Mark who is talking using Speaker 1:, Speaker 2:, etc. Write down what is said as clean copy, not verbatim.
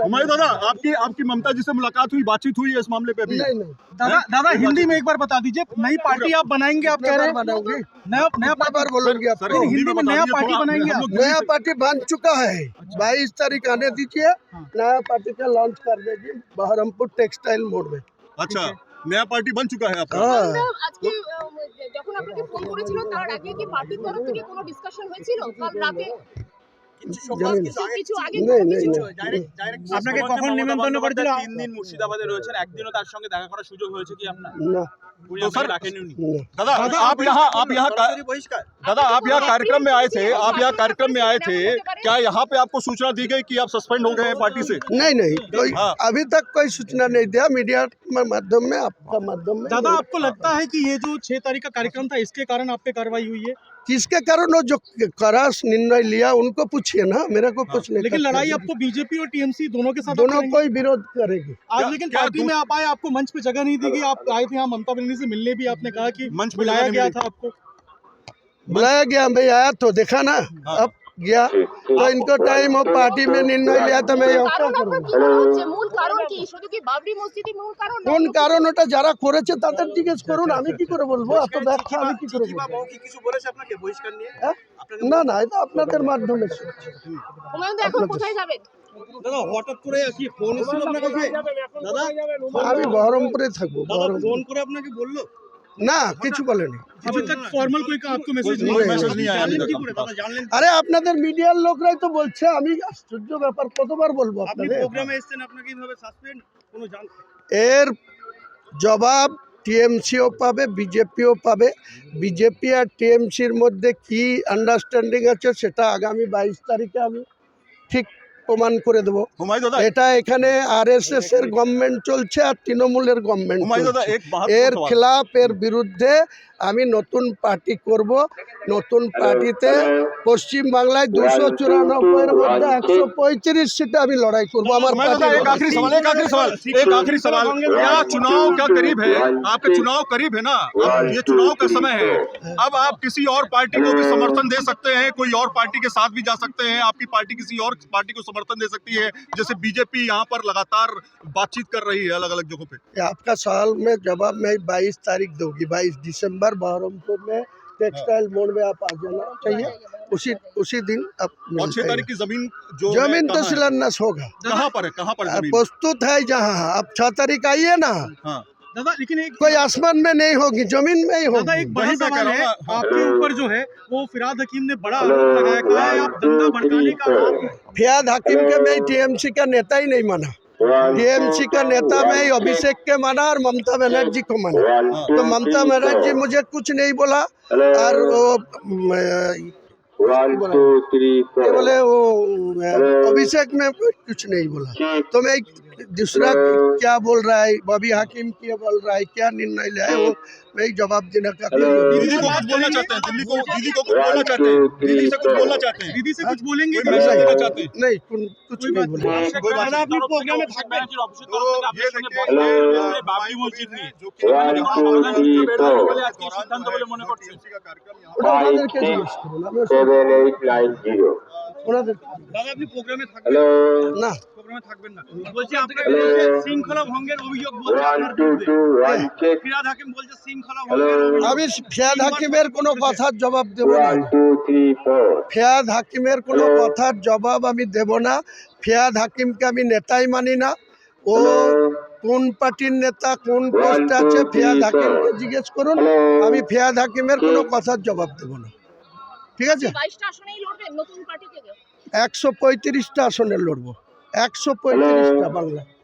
Speaker 1: हुमायूं दादा, आपकी ममता जी से मुलाकात हुई, बातचीत हुई है इस मामले पे?
Speaker 2: नहीं नहीं
Speaker 3: दादा हिंदी में एक बार बता दीजिए, नई पार्टी आप बनाएंगे, आप कह रहे हैं
Speaker 2: बनाऊंगी,
Speaker 3: नया
Speaker 2: बार बोलूंगी
Speaker 1: सर,
Speaker 2: आपको।
Speaker 3: हिंदी में नया पार्टी बनाएंगे आप?
Speaker 2: नया पार्टी बन चुका है, 22 तारीख आने दीजिए, नया पार्टी का लॉन्च कर देगी बहरमपुर टेक्सटाइल मोड़ में।
Speaker 1: अच्छा, नया पार्टी बन चुका है आपका?
Speaker 2: हाँ,
Speaker 4: আজকে যখন আপনাকে ফোন করেছিল তার আগে কি পার্টির তরফ থেকে কোনো ডিসকাশন হয়েছিল কাল রাতে? কিছু আগে
Speaker 2: नहीं नहीं
Speaker 3: আপনাকে কখন নিমন্ত্রণ করেছিল?
Speaker 5: 3 দিন মুর্শিদাবাদে রয়েছেন, একদিনও তার সঙ্গে দেখা করার সুযোগ হয়েছে কি আপনার?
Speaker 2: ना
Speaker 1: तो सर,
Speaker 5: রাখেননি উনি?
Speaker 1: दादा आप यहाँ
Speaker 5: বহিষ্কার।
Speaker 1: दादा आप यहाँ कार्यक्रम में आए थे, क्या यहाँ पे आपको सूचना दी गई कि आप सस्पेंड हो गए हैं पार्टी से?
Speaker 2: नहीं कोई
Speaker 1: हाँ।
Speaker 2: अभी तक कोई सूचना नहीं दिया, मीडिया के माध्यम में, आपका माध्यम में।
Speaker 3: दादा आपको लगता है कि ये जो 6 तारीख का कार्यक्रम था इसके कारण आप पे कार्रवाई हुई है?
Speaker 2: किसके कारण वो जो कड़ा निर्णय लिया उनको पूछिए ना, मेरा को कुछ नहीं।
Speaker 3: लेकिन लड़ाई आपको बीजेपी और टीएमसी दोनों के साथ
Speaker 2: दोनों
Speaker 3: करेंगे?
Speaker 2: कोई विरोध करेगी।
Speaker 3: आज लेकिन पार्टी में आप आए, आपको मंच पे जगह नहीं दी गई, आप आए थे यहाँ ममता बनर्जी से मिलने भी, आपने कहा कि
Speaker 1: मंच पे
Speaker 3: बुलाया
Speaker 1: जगह नहीं
Speaker 3: गया
Speaker 1: मिली।
Speaker 3: था आपको।
Speaker 2: बुलाया गया, मैं आया तो देखा ना, अब गया तो इनको टाइम हो, पार्टी में निर्णय लिया तो मैं यहाँ क्या
Speaker 4: কারণ আপনার
Speaker 2: करूँगा।
Speaker 4: কি মনে হচ্ছে মূল কারণ কি? শুধু কি বাবরি মসজিদই মূল কারণ?
Speaker 2: কোন কারণ ওটা যারা করেছে তাদের জিজ্ঞেস করুন, আমি কি করে বলবো, এত ব্যাখ্যা আমি কি করে
Speaker 5: চিঠি বা
Speaker 2: বলবো।
Speaker 5: মৌখিক কিছু বলেছে আপনাকে বহিষ্কার নিয়ে?
Speaker 2: হ্যাঁ? না এটা আপনাদের মাধ্যমে শুনছি।
Speaker 4: হুমায়ুন দা এখন কোথায় যাবেন?
Speaker 3: দাদা হঠাৎ করে কি ফোন এসেছিল আপনার কাছে? দাদা
Speaker 2: আমি বহরমপুরে থাকবো। বহরমপুর
Speaker 3: ফোন করে আপনাকে বললো?
Speaker 2: না কিছু বলেনি।
Speaker 3: अभी तक फॉर्मल कोई आपको मैसेज
Speaker 1: कोई
Speaker 3: नहीं
Speaker 1: मैसेज नहीं आया अभी
Speaker 3: जानलेন
Speaker 1: तक।
Speaker 3: কি করে দাদা, জানলেন?
Speaker 2: আরে আপনাদের মিডিয়ার লোকরাই তো বলছে, আমি আশ্চর্য ব্যাপার কতবার বলবো
Speaker 3: আপনি
Speaker 2: আপনাদের।
Speaker 3: প্রোগ্রামে এসেছেন, আপনাকে এইভাবে সাসপেন্ড কোনো জান
Speaker 2: এর জবাব টিএমসিও পাবে, বিজেপিও পাবে। বিজেপি আর টিএমসির মধ্যে কি আন্ডারস্ট্যান্ডিং আছে সেটা আগামী 22 তারিখে আমি ঠিক প্রমাণ করে দেবো।
Speaker 1: हुमायूं दादा,
Speaker 2: এটা এখানে আরএসএস এর গভর্নমেন্ট চলছে আর তৃণমূলের গভর্নমেন্ট
Speaker 1: हुमायूं दादा
Speaker 2: চলছে।
Speaker 1: एक बात
Speaker 2: এর খিলাফ, এর বিরুদ্ধে আমি নতুন পার্টি করব। নতুন পার্টিতে পশ্চিম বাংলায় 294 এর মধ্যে 135 সিটে আমি লড়াই করব। আমার
Speaker 1: हुमायूं दादा, एक आखिरी सवाल क्या चुनाव क्या करीब है? आपके चुनाव करीब है ना, अब ये चुनाव का समय है, अब आप किसी और पार्टी को भी समर्थन दे सकते हैं, कोई और पार्टी के साथ भी जा सकते हैं, आपकी पार्टी किसी और पार्टी को समर्थन दे सकती है, जैसे बीजेपी यहाँ पर लगातार बातचीत कर रही है अलग अलग जगहों पे।
Speaker 2: आपका सवाल में जवाब मैं 22 तारीख दूंगी। 22 दिसंबर बहरमपुर में टेक्सटाइल मोड़ में आप आ जाना चाहिए, उसी दिन आप
Speaker 1: और 6 तारीख की जमीन जो
Speaker 2: जमीन तो
Speaker 1: कहाँ है?
Speaker 2: शिलान्यास होगा,
Speaker 1: कहाँ पर है जमीन?
Speaker 2: प्रस्तुत है जहाँ। आप 6 तारीख आइए ना,
Speaker 1: हाँ,
Speaker 3: दादा लेकिन एक
Speaker 2: कोई आसमान में नहीं होगी, जमीन में ही
Speaker 3: दादा
Speaker 2: होगी।
Speaker 3: एक बड़ा
Speaker 1: वही मैं कह
Speaker 3: सवाल
Speaker 1: रहा
Speaker 3: है
Speaker 1: हूँ ना।
Speaker 3: आपके ऊपर जो है वो फिराद हकीम ने बड़ा आरोप लगाया, कहा है आप दंगा भड़काने का आरोप है।
Speaker 2: फियाद हकीम के मैं टीएमसी का नेता ही नहीं माना। टीएमसी का नेता मैं अभिषेक के माना और ममता बनर्जी को माना। तो ममता बनर्जी मुझे कुछ नहीं बोला और वो बोले वो अभिषेक में कुछ नहीं बोला। तो मैं दूसरा क्या बोल रहा है, बॉबी हाकिम क्या बोल रहा है, क्या निर्णय लिया है, वो मैं जवाब देने का
Speaker 1: दीदी को कुछ बोलना चाहते हैं, दीदी को कुछ बोलना चाहते हैं, दीदी से कुछ बोलना चाहते हैं,
Speaker 3: दीदी से कुछ बोलेंगे?
Speaker 1: कोई मैसेज देना चाहते हैं?
Speaker 2: नहीं कुछ नहीं बोला।
Speaker 1: कोई बात नहीं।
Speaker 3: আপনি প্রোগ্রামে থাকবেন?
Speaker 1: ये देखिए,
Speaker 5: বাবরি মসজিদ নিয়ে
Speaker 1: जो कि
Speaker 5: সিদ্ধান্ত বলে মনে করছেন?
Speaker 1: TMC का कार्यक्रम यहाँ
Speaker 2: ওটা ওনাদেরকে জিজ্ঞেস করুন, আমি ওসব-
Speaker 6: 7890
Speaker 2: ওনাদের-
Speaker 3: দাদা আপনি প্রোগ্রামে থাকবেন?
Speaker 2: না
Speaker 3: প্রোগ্রামে থাকবেন না, বলছি আপনাকে বলছে শৃঙ্খলা ভঙ্গের অভিযোগ বলছে আপনার বিরুদ্ধে।
Speaker 6: 122 check
Speaker 3: ফিরাদ হাকিম বলছে শৃঙ্খলা ভঙ্গের অভিযোগ।
Speaker 2: আমি ফিয়াদ হাকিমের কোনো কথার জবাব দেব না।
Speaker 6: 1234
Speaker 2: ফিয়াদ হাকিমের কোনো কথার জবাব আমি দেব না। ফিয়াদ হাকিমকে আমি নেতাই মানি না। ও কোন পার্টির নেতা, কোন পোস্টে আছে, ফিয়াদ হাকিমকে জিজ্ঞেস করুন। আমি ফিয়াদ হাকিমের কোনো কথার জবাব দেব না, ঠিক আছে?
Speaker 4: 22টা আসনেই লড়বেন নতুন পার্টি থেকে?
Speaker 2: 135টা আসনে লড়বো, 135টা বাংলা।